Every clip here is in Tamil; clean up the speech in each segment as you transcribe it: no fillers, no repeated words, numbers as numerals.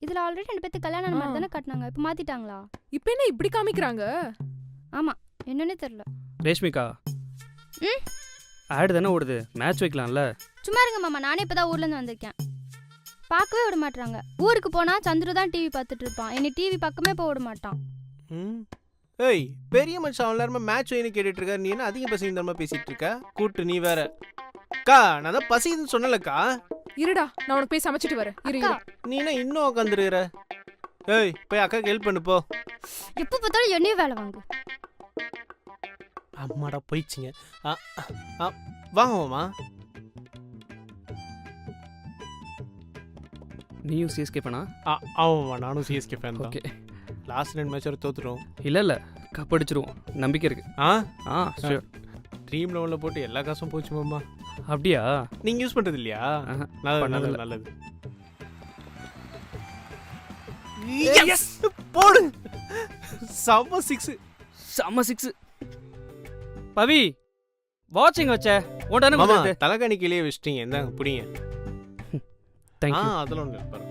இதுல ஆல்ரெடி 2 பேத்துக்கு கல்யாணம் மாதிரி தானே காட்டினாங்க. இப்போ மாத்திட்டாங்களா? இப்போ என்ன இப்படி காமிக்கிறாங்க? ஆமா, என்னன்னே தெரியல. ரேஷ்மிகா, ஆடு தானே ஓடுது, மேட்ச் வைக்கலாம்ல. சும்மா இருங்க மாமா, நானே இப்பதான் ஊர்ல இருந்து வந்திருக்கேன். பார்க்கவே விட மாட்டாங்க. ஊருக்கு போனா சந்துரு தான் டிவி பார்த்துட்டு இருப்பான். என்னை டிவி பக்கமே போக விட மாட்டான். ஏய், பெரிய மனுஷன் அவன் எல்லாருமே மேட்ச் வைன்னு கேட்டுட்டு இருக்காரு. நீ என்ன அதிக பசி இந்த மாதிரி பேசிட்டு இருக்க? கூட்டு நீ வேற. அக்கா, நான் தான் பசின்னு சொன்னலக்கா. இருடா, நான் உனக்கு போய் சமைச்சிட்டு வரேன். அக்கா, நீ என்ன இன்னும் உட்காந்துருக்கிற? ஏய், போய் அக்காக்கு ஹெல்ப் பண்ணு போ. எப்போ பார்த்தாலும் என்னையும் வேலை வாங்கு. அம்மாடா போயிடுச்சிங்க. வாங்க மாமா. நீயும் சிஎஸ்கே ஃபேனா? ஆமாம்மா, நானும் சிஎஸ்கே ஃபேன் தான். ஓகே. லாஸ்ட் 2 மேட்ச் வரை தோத்துரும். இல்லை கப் அடிச்சிருவோம், நம்பிக்கை இருக்கு. ஷூர். ட்ரீம் லெவலில் போட்டு எல்லா காசும் போச்சு மாமா. அப்படியா? நீங்கள் யூஸ் பண்ணுறது இல்லையா? நல்லது நல்லது. போடு, செம்ம 6. செம்ம 6. பவி, வாட்சிங் வச்ச ஓடானே மாமா, வந்து தலைகாணி கீழே வச்சிட்டீங்க. இந்தாங்க புடிங்க. Thank you. அதெல்லாம் ஒன்று பாருங்க.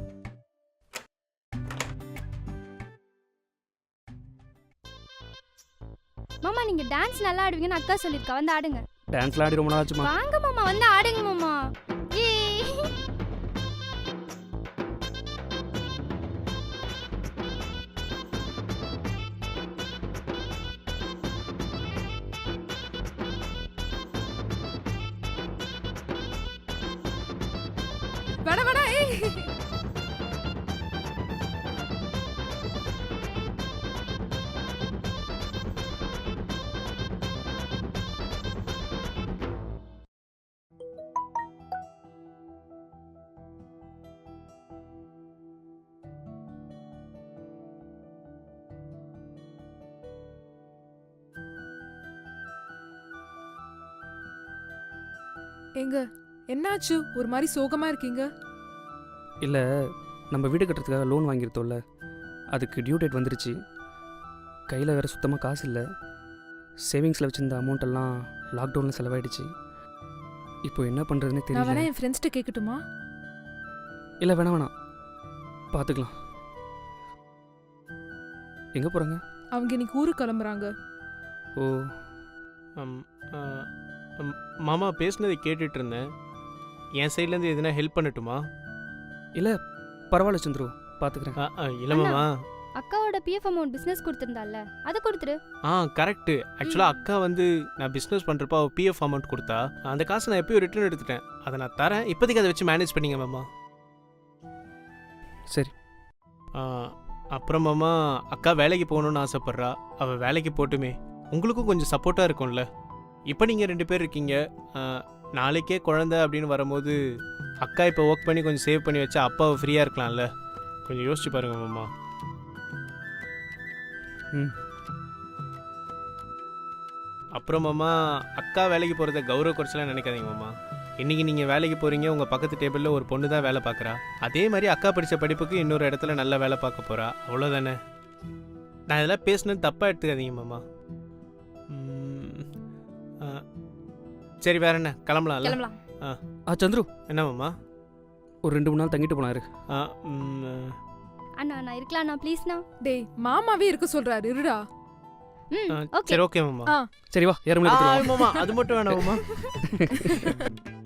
மாமா, நீங்க டான்ஸ் நல்லா ஆடுவீங்கன்னு அக்கா சொல்லிருக்கா. வந்து ஆடுங்க. டான்ஸ்லாம் ஆடி ரொம்ப நாள் ஆச்சுமா. வாங்க மாமா, வந்து ஆடுங்க மாமா. வேணா வேணா. எங்க என்னாச்சு? ஒரு மாதிரி சோகமா இருக்கீங்க. இல்லை, நம்ம வீடு கட்டுறதுக்காக லோன் வாங்கியிருந்தோம்ல, அதுக்கு டியூ டேட் வந்துருச்சு. கையில் வேறு சுத்தமாக காசு இல்லை. சேவிங்ஸில் வச்சுருந்த அமௌண்ட்டெல்லாம் லாக்டவுனில் செலவாயிடுச்சு. இப்போ என்ன பண்ணுறதுன்னு நான் தெரியல. வேணா என் ஃப்ரெண்ட்ஸ்கிட்ட கேட்கட்டுமா? இல்லை வேணாம், பார்த்துக்கலாம். எங்கே போகிறாங்க? அவங்க இன்னைக்கு ஊருக்கு கிளம்புறாங்க. ஓ, மாமா பேசுனதை கேட்டுட்டு இருந்தேன். என் சைட்லேருந்து எதுனா ஹெல்ப் பண்ணட்டுமா? இல்லை பரவாயில்ல சந்துரு, பார்த்துக்கிறேன். இல்லை மாமா, அக்காவோட பிஎஃப் அமௌண்ட் பிசினஸ் கொடுத்திருந்தால, அதை கொடுத்துரு. கரெக்ட். ஆக்சுவலாக அக்கா வந்து நான் பிஸ்னஸ் பண்ணுறப்ப அவள் பிஎஃப் அமௌண்ட் கொடுத்தா, அந்த காசை நான் எப்பயும் ரிட்டர்ன் எடுத்துட்டேன். அதை நான் தரேன், இப்போதைக்கு அதை வச்சு மேனேஜ் பண்ணிங்க மாமா. சரி. அப்புறம் மாமா, அக்கா வேலைக்கு போகணுன்னு ஆசைப்பட்றா. அவள் வேலைக்கு போட்டுமே உங்களுக்கும் கொஞ்சம் சப்போர்ட்டாக இருக்கும்ல. இப்போ நீங்கள் 2 பேர் இருக்கீங்க. நாளைக்கே குழந்தை அப்படின்னு வரும்போது அக்கா இப்போ ஒர்க் பண்ணி கொஞ்சம் சேவ் பண்ணி வச்சா அப்பாவை ஃப்ரீயாக இருக்கலாம்ல. கொஞ்சம் யோசிச்சு பாருங்க மாமா. அப்புறம் மாமா, அக்கா வேலைக்கு போகிறத கௌரவ குறைச்சலாம் நினைக்காதீங்க மாமா. இன்றைக்கி நீங்கள் வேலைக்கு போகிறீங்க, உங்கள் பக்கத்து டேபிளில் ஒரு பொண்ணு தான் வேலை பார்க்குறா. அதே மாதிரி அக்கா படித்த படிப்புக்கு இன்னொரு இடத்துல நல்ல வேலை பார்க்க போகிறா. அவ்வளோதானே. நான் இதெல்லாம் பேசுனது தப்பாக எடுத்துக்காதீங்க மாமா. சரி, வேற என்ன, கிளம்பலாம்ல? சந்துரு, என்ன மாமா? ஒரு 2-3 நாள் தங்கிட்டு போனாரு. அண்ணா நான் இருக்கலாம்ண்ணா, ப்ளீஸ்ண்ணா. டேய், மாமாவே இருக்க சொல்றாரு. இருடா. ஓகே. சரி, ஓகே மாமா. சரி வா, ஏறும் மாமா, அது மட்டும் வேணாம் மாமா.